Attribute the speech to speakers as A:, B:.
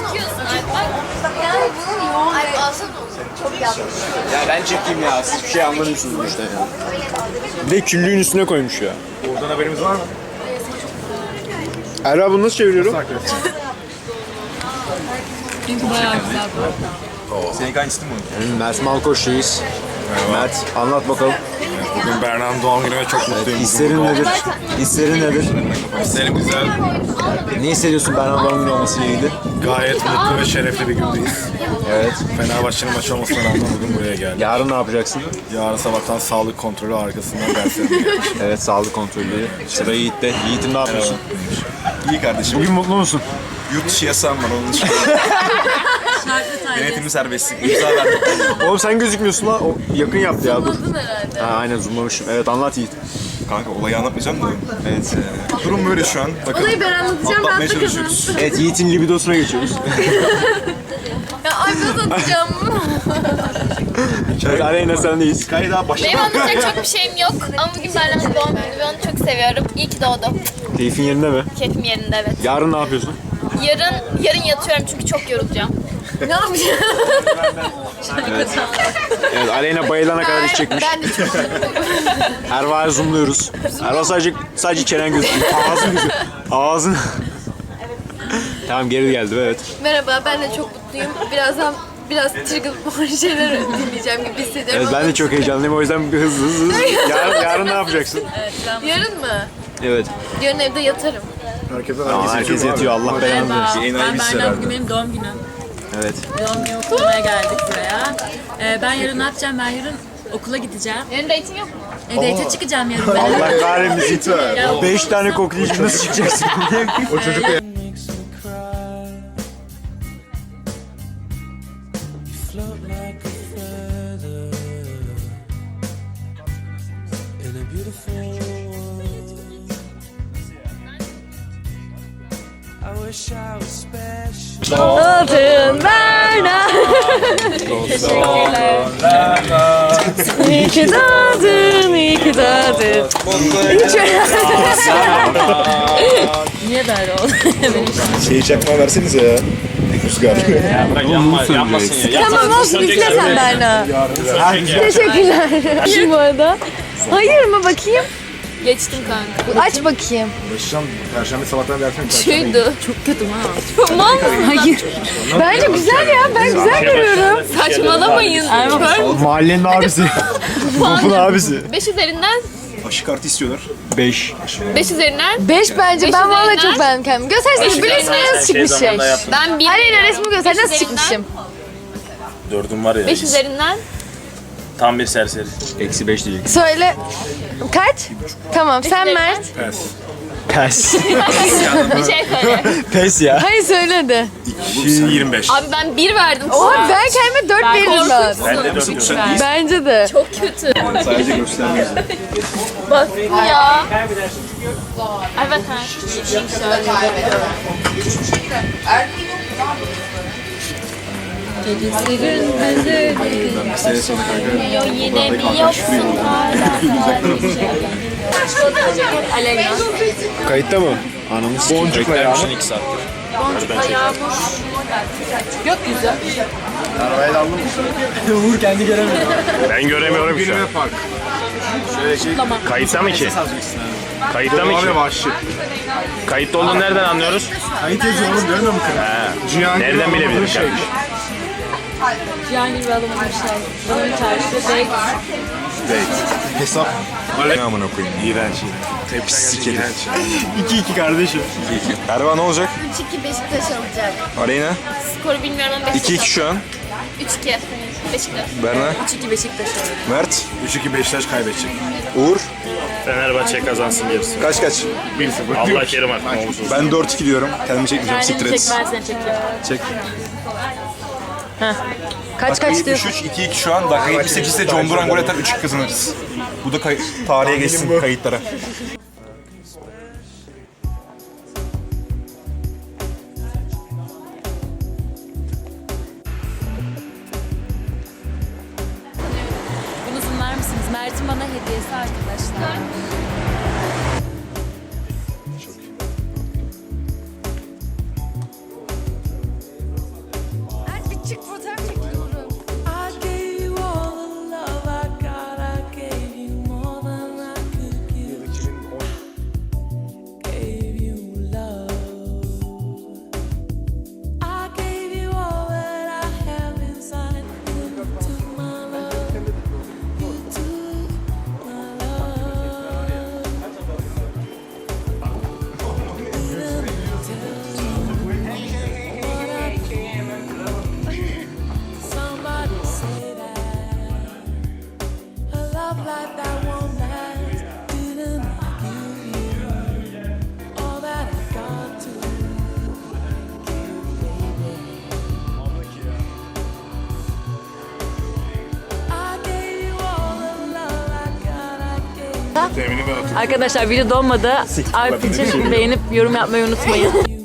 A: çekiyorsun Alp. Yani bunun yoğun Alp alsana onu. Çok yanlış.
B: Ya ben çekeyim ya. Siz bir şey anlamıyorsunuz işte ya. Bir de küllüğün üstüne koymuş ya.
C: Oradan haberimiz var mı?
B: Erra bunu nasıl çeviriyorum?
A: Çünkü bayağı güzel bu.
C: Senin hangisi mi bu?
B: Mert Malkoç'tayız. Mert anlat bakalım.
C: Bugün Berna'nın doğum günü ve çok mutluyum.
B: Hislerin nedir? Hislerin nedir?
C: Hislerim güzel.
B: Ne hissediyorsun Berna'nın doğum günü olmasıyla ilgili?
C: Gayet mutlu ve şerefli bir gündeyiz.
B: Evet.
C: Fenerbahçe'nin maçı olmasına rağmen bugün buraya geldim.
B: Yarın ne yapacaksın?
C: Yarın sabahtan sağlık kontrolü arkasından derslerim gelmiş.
B: Evet, sağlık kontrolü. Sıra Yiğit'te. Yiğit'im ne yapıyorsun?
C: İyi kardeşim.
B: Bugün mutlu musun?
C: Yurt dışı yasağım var onun dışında. Denetimli serbestlik. İmza verdim.
B: Oğlum sen gözükmüyorsun lan. O yakın yaptı ya, dur.
A: Zoomladın herhalde.
B: Ha, aynen zoomlamışım. Evet, anlat Yiğit.
C: Kanka olayı anlatmayacağım da. Evet. Durum böyle şu an. Bakın.
A: Olayı ben anlatacağım,
C: atlatmaya
A: rahatla
C: çalışıyoruz.
B: Evet, Yiğit'in libidosuna geçiyoruz.
A: Ya Alp nasıl atacağım?
B: Evet, Aleyna sendeyiz.
C: Hikaye daha başlamadı.
D: Benim anlatacak çok bir şeyim yok ama bugün Berlin'in doğum günü ve onu çok seviyorum. İyi ki doğdu.
B: Keyfin yerinde mi?
D: Keyfim yerinde, evet.
B: Yarın ne yapıyorsun?
D: Yarın yatıyorum çünkü çok yorulacağım.
A: Ne yapacağım?
B: Evet, Aleyna bayılana kadar iş çekmiş.
A: Ben de çok
B: Erva'ya zoomluyoruz. Erva sadece çenen gözüküyor. Ağzın gözüküyor. Ağzın. Tamam, geri geldim, evet.
A: Merhaba, ben de çok mutluyum. Biraz trigger şeyler dinleyeceğim gibi hissediyorum.
B: Evet, ben de çok heyecanlıyım, o yüzden bir hızlı. Yarın ne yapacaksın?
A: Yarın mı?
B: Evet.
A: Yarın evde yatarım.
B: Herkes yatıyor, Allah belanı versin.
C: Enayi
E: Ben
C: bir
E: Berna,
C: herhalde.
E: bugün benim doğum günüm.
B: Evet.
E: Doğum günü kutlamaya geldik buraya. Ben yarın ne yapacağım? Ben yarın okula gideceğim.
D: Yarın date'in yok mu?
E: Date'e çıkacağım yarın ben.
B: Allah kahretmesin. 5 tane kokleyişi nasıl çıkacaksın?
C: O çocuk da
F: Float like a feather in a beautiful world. I wish I was special.
A: Altın Berna. Teşekkürler. İyi ki doğdun, iyi ki doğdun.
E: Niye böyle oldu?
C: şeyi çakma versenize ya. Rüzgar.
B: Yanmasın ya.
A: Tamam olsun, üfle sen Berna. Teşekkürler. Hayır bu arada. Hayır mı, bakayım?
D: Geçtim kanka.
A: Aç bakayım.
C: Uğraşacağım. Perşembe sabahtan versene.
D: Şuydu.
E: Çok kötü ha.
D: Mal mısın?
E: Hayır.
A: Bence güzel ya, ben güzel görüyorum.
D: Saçmalamayın.
B: Mahallenin abisi. Topun abisi.
D: 5 üzerinden
C: Aşı kartı istiyorlar.
B: 5.
D: 5 üzerinden
A: 5 bence,
D: Beş
A: ben vallahi
D: üzerinden.
A: çok beğendim kendimi. Göstersene, bir resmi nasıl çıkmış şey.
D: ben 1
A: Aleyna resmi göster, nasıl çıkmışım.
G: Dördüm var ya.
D: 5 üzerinden
G: Tam bir serseri.
B: Eksi 5 değil.
A: Söyle. Kaç? Tamam, sen Mert.
B: Pes.
D: bir şey söyle.
B: Pes ya.
A: Hayır söyle de.
C: 25.
D: Abi ben 1 verdim.
A: Oha, ben kendime 4 veririm ben.
G: Ben de dördüm.
A: Bence de.
D: Çok kötü.
C: Sadece göstermiyor.
D: Bak ya. Evet ha.
C: Sene sonra kanka.
D: Yo yine mi yoksun hala? Aleyna.
B: Kayıtta mı? Anamız.
C: Boncukla ya.
G: 2 saat.
D: Gökyüzü.
C: Arabayı da aldım.
B: Uğur kendi göremiyor.
G: Ben göremiyorum şu an.
C: Günüme park. Şöyle şey.
G: Kayıtta mı ki? Kayıtta mı ki?
C: Abi vahşi.
G: Kayıtta olduğunu nereden anlıyoruz?
C: Kayıt yazıyor oğlum, görmüyor musun? Cihangir
G: Nereden
C: Anadolu
G: bilebilirim
C: şey.
G: kardeşim?
E: Cihangir ve adamın şey. Adamın çarşıda date.
C: Hesap. Ne amına koyayım? İğrenç. Hepsi sikeli.
B: 2-2 kardeşim.
C: Erva ne olacak?
D: 3-2 Beşiktaş alacak.
C: Aleyna?
D: Skoru bilmiyorum ama Beşiktaş
C: 2-2 şu an.
D: 3-2 Beşiktaş.
C: Berna?
E: 3-2 Beşiktaş alıyor.
C: Mert? 3-2 Beşiktaş kaybedecek. Uğur?
G: Fenerbahçe kazansın diyorsun.
C: Kaç? 1-0.
G: Allah kerim artık ne olursa olsun.
C: Ben 4-2 diyorum. Kendimi çekmeyeceğim. Siktir
E: Kendini
C: et.
E: çek, ben seni çekeyim.
C: Çek.
A: Kaç diyorsun?
C: 73, 2-2 şu an. Dakika 78'de John Duran gol atar, 3-2 kazanırız. Bu da tarihe geçsin, kayıtlara.
E: Bunu zoomlar mısınız? Mert'in bana hediyesi arkadaşlar. Arkadaşlar video donmadı. Alp için beğenip yorum yapmayı unutmayın.